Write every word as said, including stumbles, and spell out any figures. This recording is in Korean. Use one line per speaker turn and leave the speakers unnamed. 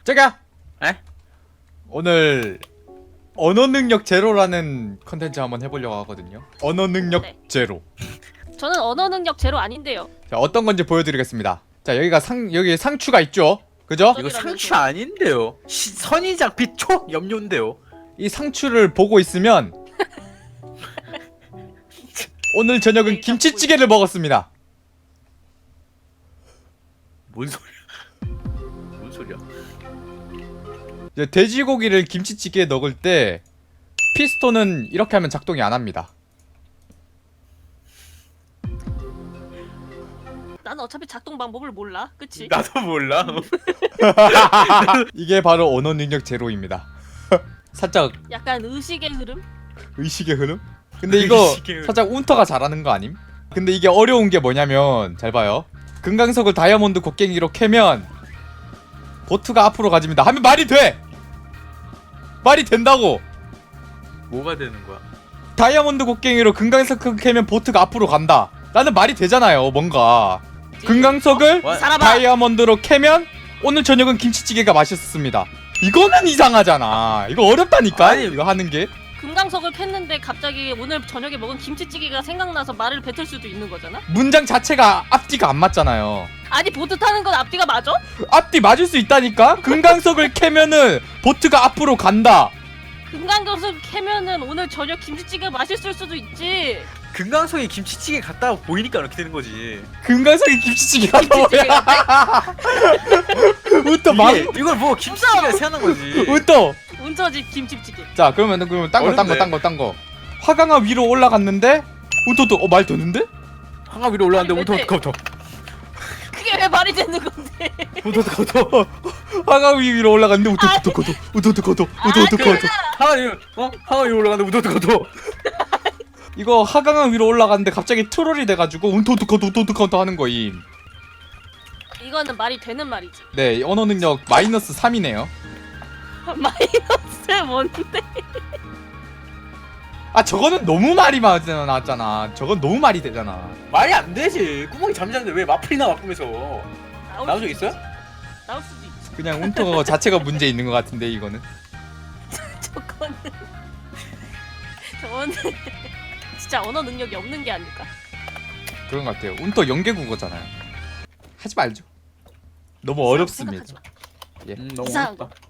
제가
에?
오늘 언어 능력 제로라는 컨텐츠 한번 해보려고 하거든요. 언어 능력
네.
제로.
저는 언어 능력 제로 아닌데요.
자, 어떤 건지 보여드리겠습니다. 자, 여기가 상 여기 상추가 있죠. 그죠?
이거 상추 아닌데요. 시, 선인장 빛초 염료인데요.
이 상추를 보고 있으면 오늘 저녁은
에이,
김치찌개를 먹었습니다.
뭔 소리야? 뭔 소리야?
이제 돼지고기를 김치찌개에 넣을 때 피스톤은 이렇게 하면 작동이 안 합니다.
나는 어차피 작동 방법을 몰라. 그치?
나도 몰라.
이게 바로 언어 능력 제로입니다. 살짝
약간 의식의 흐름?
의식의 흐름? 근데 이거
의식의 흐름.
살짝 운터가 잘하는 거 아님? 근데 이게 어려운 게 뭐냐면 잘 봐요. 금강석을 다이아몬드 곡괭이로 캐면 보트가 앞으로 가집니다. 하면 말이 돼! 말이 된다고!
뭐가 되는 거야?
다이아몬드 곡괭이로 금강석을 캐면 보트가 앞으로 간다. 나는 말이 되잖아요, 뭔가. 금강석을
어?
살아봐!
다이아몬드로 캐면 오늘 저녁은 김치찌개가 맛있습니다. 이거는 이상하잖아. 이거 어렵다니까?
아니,
이거 하는 게.
금강석을 캤는데 갑자기 오늘 저녁에 먹은 김치찌개가 생각나서 말을 뱉을 수도 있는 거잖아?
문장 자체가 앞뒤가 안 맞잖아요.
아니 보트 타는 건 앞뒤가 맞아?
앞뒤 맞을 수 있다니까? 금강석을 캐면은 보트가 앞으로 간다.
금강석을 캐면은 오늘 저녁 김치찌개가 맛있을 수도 있지.
금강석에 김치찌개 갔다가 보이니까 이렇게 되는 거지.
금강석이 김치찌개가
김치찌개
뭐야? 웃더 막
이게, 이걸 뭐 김치찌개가 생각난 거지.
웃더.
운터집 김치찌개.
자, 그러면 그러면 딴 거 딴 거 딴 거 딴 거. 화강화 위로 올라갔는데 웃더도 어 말 되는데?
한가 위로 올라왔는데
아니,
우토 우토
그게 왜 말이 되는 건데?
우토 우토
화강화 위로 올라갔는데 웃더 웃더 거도 웃더 웃더 거도 웃더 웃더 거도.
한가 위로 어 한가 위로 올라갔는데 우토 우토
이거 하강화 위로 올라갔는데 갑자기 트롤이 돼가지고 운토 웃더 거도 웃더 웃더 거도 하는 거임.
이거는 말이 되는 말이지.
네, 언어 능력 마이너스 삼이네요.
마이너스 뭔데?
아, 저거는 너무 말이 많이 나왔잖아. 저건 너무 말이 되잖아.
말이 안 되지. 구멍이 잠자는데 왜 마플이나 마꾸면서
나올
나온 적
수도
있어요?
있- 나올 수도 있어.
그냥 운터 자체가 문제 있는 것 같은데 이거는.
저거는 저거는 진짜 언어 능력이 없는 게 아닐까?
그런 것 같아요. 운터 연계 국어잖아요. 하지 말죠. 너무 어렵습니다.
생각하지 마.
예.
음, 너무
이상한
어렵다.